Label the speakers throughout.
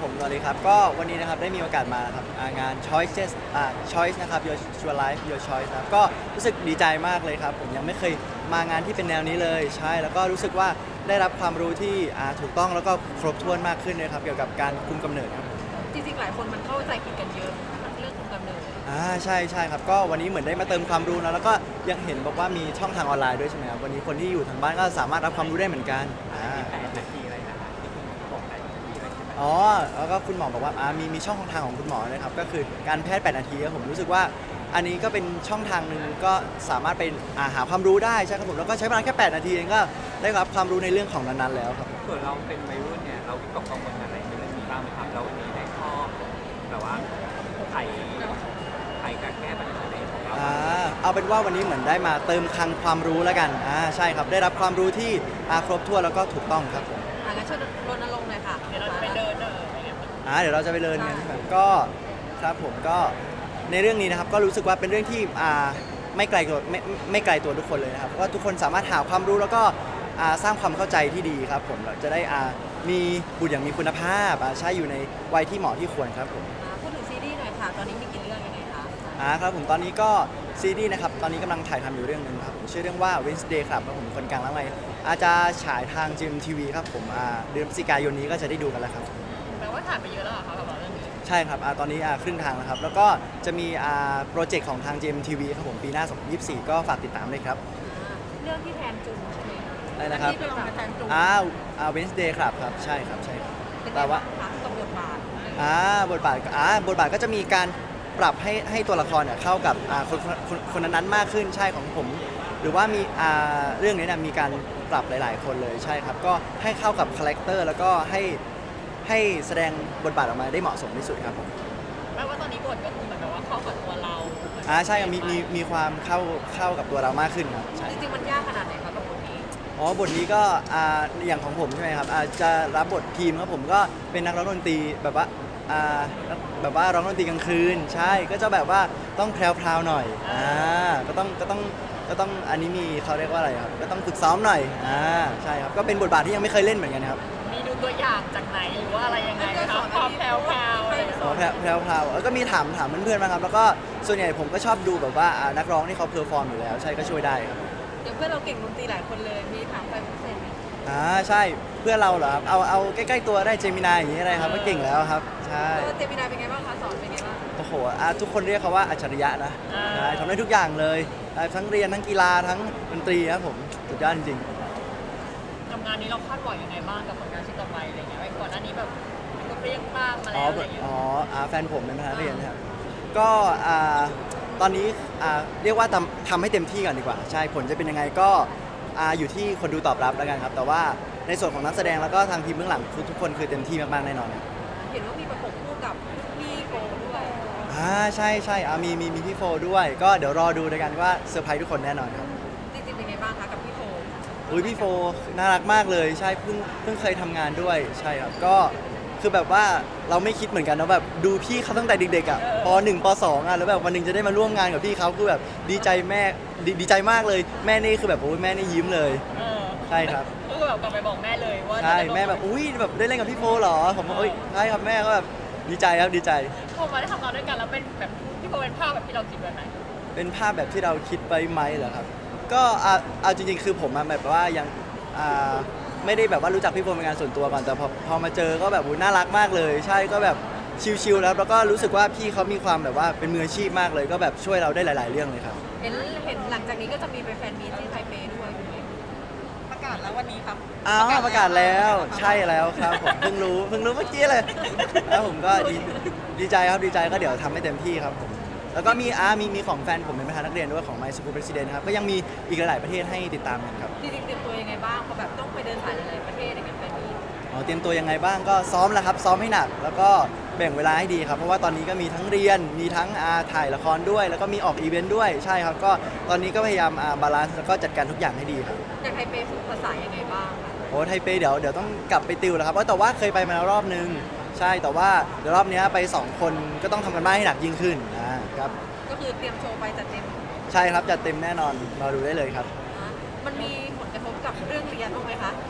Speaker 1: ผมสวัสดีครับก็วันนี้นะครับได้มีโอกาสมาครับงาน Choices Choice นะครับ Your Life Your Choice นะครับก็รู้สึกดีใจมากเลยครับผมยังไม่เคยมางานที่เป็นแนวนี้เลยใช่แล้วก็รู้สึกว่าได้รับความรู้ที่ถูกต้องแล้วก็ครบถ้วนมากขึ้นเลยครับเกี่ยวกับการคุมกำเนิดครับ
Speaker 2: จริงๆหลายคนมันเข้าใจผิดกันเยอะเรื่องคุมกำเนิด
Speaker 1: ใช่ครับก็วันนี้เหมือนได้มาเติมความรู้นะแล้วก็ยังเห็นบอกว่ามีช่องทางออนไลน์ด้วยใช่ไหมครับวันนี้คนที่อยู่ทางบ้านก็สามารถรับความรู้ได้เหมือนกัน
Speaker 3: 8 นาทีอะไรนะคะที่คุณบอก8 นาทีอะไรใช่ไหม
Speaker 1: อ๋อแล้วก็คุณหมอบอกว่ามีช่องทางของคุณหมอนะครับก็คือการแพทย์8 นาทีครับผมรู้สึกว่าอันนี้ก็เป็นช่องทางหนึ่งก็สามารถไปหาความรู้ได้ใช่ครับผมแล้วก็ใช้เวลาแค่8 นาทีเองก็ได้รับความรู้ในเรื่องของนั้นๆแล้วครับ
Speaker 3: ส่วนเราเป็นวัยรุ่นเนี่ยเราวิตกกังวลอะไรในเรื่องนี้บ้างไหมครับแล้ววันนี้ได้ข้อแบบว่าไขการแก้ปัญหาในของเรา
Speaker 1: เอาเป็นว่าวันนี้เหมือนได้มาเติมคลังความรู้แล้วกันใช่ครับได้รับความรู้ที่ครบถ้วนแล้วก็ถูกต้องครับผม
Speaker 2: งั้นช่วยรณรงค์หน่อยค่ะเดี๋ยวเราจะไปเดิน
Speaker 1: เดี๋ยวเราจะไปเรียนกันใช่ไหมก็ครับผมก็ในเรื่องนี้นะครับก็รู้สึกว่าเป็นเรื่องที่ไม่ไกลตัวไม่ไกลตัวทุกคนเลยนะครับเพราะว่าทุกคนสามารถหาความรู้แล้วก็สร้างความเข้าใจที่ดีครับผมเราจะได้มีบุตรอย่างมีคุณภาพใช้อยู่ในวัยที่เหมาะที่ควรครับผม
Speaker 2: พูดถึงซีรีส์หน่อยค่ะตอนนี้มีกี่เรื่องยังไงคะ
Speaker 1: ครับผมตอนนี้ก็ซีรีส์นะครับตอนนี้กำลังถ่ายทำอยู่เรื่องนึงครับผมชื่อเรื่องว่า Wednesday ครับผมคนกลางแล้วไงอาจจะฉายทาง GMTV ครับผมเดือนพฤศจิกายนนี้ก็จะได้ดูกันแล้วครับ
Speaker 2: แปลว่าถ่ายไปเยอะแล้วเหรอคะกับเรื่องนี้
Speaker 1: ใช่ครับตอนนี้ครึ่งทางแล้วครับแล้วก็จะมีโปรเจกต์ของทาง GMTV ครับผมปีหน้า2024ก็ฝากติดตามด้วยครับ
Speaker 2: เรื่องที่แทนจุนใช่ไหม
Speaker 1: อะไรนะครับ
Speaker 2: ที่เป็นแทนจุน
Speaker 1: Wednesday ครับใช่ครับ
Speaker 2: แต่ว่าตรงบทบาท
Speaker 1: บทบาทก็จะมีการปรับให้ตัวละครเนี่ยเข้ากับคนนั้นๆมากขึ้นใช่ของผมหรือว่ามีเรื่องนี้มีการปรับหลายๆคนเลยใช่ครับก็ให้เข้ากับคาแรคเตอร์แล้วก็ให้แสดงบทบาทออกมาได้เหมาะสมที่สุดครับผม
Speaker 2: แปลว่าตอนนี้บทก็คือเหมือนกับว่าเข้ากับตัวเรา
Speaker 1: ใช่มีความเข้ากับตัวเรามากขึ้นครับ
Speaker 2: จริงๆมันยากขนาดไหนครับกับบทนี้
Speaker 1: บทนี้ก็อย่างของผมใช่ไหมครับจะรับบททีมครับผมก็เป็นนักร้องดนตรีแบบว่าแบบว่าร้องดนตรีกลางคืนใช่ก็จะแบบว่าต้องแพรวๆหน่อยก็ต้องอันนี้มีเขาเรียกว่าอะไรครับก็ต้องฝึกซ้อมหน่อยใช่ครับก็เป็นบทบาทที่ยังไม่เคยเล่นเหมือนกันครับ
Speaker 2: มีดูตัวอย่างจากไหนหรือว่าอะไรยังไงครับความแพรวๆอะไร
Speaker 1: แพรวๆแล้วก็มีถามเพื่อนๆมาครับแล้วก็ส่วนใหญ่ผมก็ชอบดูแบบว่านักร้องที่เขาเพอร์ฟอร์มอยู่แล้วใช่ก็ช่วยได้ครับ
Speaker 2: เดี๋ยวเพื่อนเราเก่งดนตรีหลายคนเลยมีถามไปพิเศษไหม
Speaker 1: ใช่เพื่อนเราเหรอครับเอาใกล้ๆตัวได้เจมินายอย่างนี้อะไรครับก็เก่งแล้วครับใช่
Speaker 2: เจมินายเป็นไงบ้างคะสอนเป็นไงบ้าง
Speaker 1: โอ้โหทุกคนเรียกเขาว่าอัจฉริยะนะใช่ทำได้ทุกอย่างเลยทั้งเรียนทั้งกีฬาทั้งดนตรีครับผมสุดยอดจริง
Speaker 2: ทำงานนี้เราคาดหวังยังไงบ้างกับผลงานชิ้นต่อไปอะไรเงี้ยก่อนหน้านี้แบบก็เปรี้ยงป้างมาแล้วอะไรเงี้ย
Speaker 1: แฟนผมเป็นพนักเรียนครับก็ตอนนี้เรียกว่าทำให้เต็มที่ก่อนดีกว่าใช่ผลจะเป็นยังไงก็อยู่ที่คนดูตอบรับแล้วกันครับแต่ว่าในส่วนของนักแสดงแล้วก็ทางทีมเบื้องหลังทุกคนคือเต็มที่มากๆแน่นอน
Speaker 2: เห็นว่ามีประกบคู่กับพี่โฟด้วย
Speaker 1: ใช่มีพี่โฟด้วยก็เดี๋ยวรอดูด้วยกันว่าเซอร์ไพรส์ทุกคนแน่นอนครับ
Speaker 2: จริงๆเป็นไงบ้างคะกับพี่โฟ
Speaker 1: พี่โฟน่ารักมากเลยใช่เพิ่งเคยทำงานด้วยใช่ครับก็คือแบบว่าเราไม่คิดเหมือนกันนะแบบดูพี่เขาตั้งแต่เด็กๆป .1 ป .2 แล้วแบบวันนึงจะได้มาร่วมงานกับพี่เขาคือแบบดีใจแม่ดีใจมากเลยแม่นี่คือแบบโอ้ยแม่นี่ยิ้มเลยใช่ครับ
Speaker 2: ก็คือแบบกลับไปบอกแม่เลยว่า
Speaker 1: ใช่แม่แบบอุ้ยแบบได้เล่นกับพี่โฟเหรอผมว่าใช่ครับแม่ก็แบบดีใจครับดีใจ
Speaker 2: พอมาได้ทำงานด้วยกันแล้วเป็นแบบพี่โฟเป็นภาพแบบที่เราคิดไว้ไหม
Speaker 1: เป็นภาพแบบที่เราคิดไว้ไหมเหรอครับก็เอาจริงๆคือผมแบบว่ายังไม่ได้แบบว่ารู้จักพี่โฟเป็นงานส่วนตัวก่อนแต่พอมาเจอก็แบบน่ารักมากเลยใช่ก็แบบชิลๆแล้วก็รู้สึกว่าพี่เขามีความแบบว่าเป็นมืออาชีพมากเลยก็แบบช่วยเราได้หลายๆเรื่องเลยครับ
Speaker 2: เห็นหลังจากนี้ก็จะมีไปแฟนมีตที่ไทเปด้วยประกาศแล้ววันนี้ครับ
Speaker 1: ประกาศแล้วใช่แล้วครับผมเพิ่งรู้เมื่อกี้เลยแล้วผมก็ดีใจครับดีใจก็เดี๋ยวทำให้เต็มที่ครับผมแล้วก็มีของแฟนผมเป็นประธานนักเรียนด้วยของ My School President ครับก็ยังมีอีกหลายๆประเทศให้ติดตามกันครับ
Speaker 2: จริงๆเตรียมตัวยังไงบ้างพอแบบต้องไปเดินสายหลายๆประเทศอย่างเงี้ยแฟนมี
Speaker 1: เตรียมตัวยังไงบ้างก็ซ้อมแล้วครับซ้อมให้หนักแล้วก็แบ่งเวลาให้ดีครับเพราะว่าตอนนี้ก็มีทั้งเรียนมีทั้งถ่ายละครด้วยแล้วก็มีออกอีเวนต์ด้วยใช่ครับก็ตอนนี้ก็พยายามบาลานซ์แล้วก็จัดการทุกอย่างให้ดีครับ
Speaker 2: อย่างไทเปฝึกภาษายังไงบ้าง
Speaker 1: ไทเปเดี๋ยวต้องกลับไปติวแล้วครับแต่ว่าเคยไปมาแล้วรอบนึงใช่แต่ว่าเดี๋ยวรอบนี้ไป2คนก็ต้องทำกันบ้านให้หนักยิ่งขึ้นครับ
Speaker 2: ก็คือเตรียมโชว์ไปจัดเต็ม
Speaker 1: ใช่ครับจัดเต็มแน่นอนรอดูได้เลยครับ
Speaker 2: มันมีผลกระทบกับเรื่องเรียนบ้างไหมคะกับ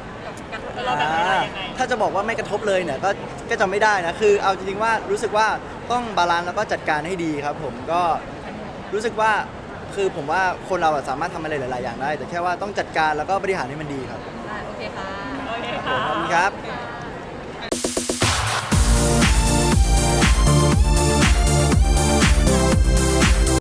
Speaker 2: กันเราแบบไหนยังไง
Speaker 1: ถ้าจะบอกว่าไม่กระทบเลยเนี่ยก็จะไม่ได้นะคือเอาจริงๆว่ารู้สึกว่าต้องบาลานซ์แล้วก็จัดการให้ดีครับผมก็รู้สึกว่าคือผมว่าคนเราอะสามารถทำอะไรหลายๆอย่างได้ แต่แค่ว่าต้องจัดการแล้วก็บริหารให้มันดีครับ
Speaker 4: โอเคค่ะ
Speaker 2: โอเค
Speaker 1: ขอบ
Speaker 2: ค่ะ
Speaker 1: คุณครับ
Speaker 4: ค่ะ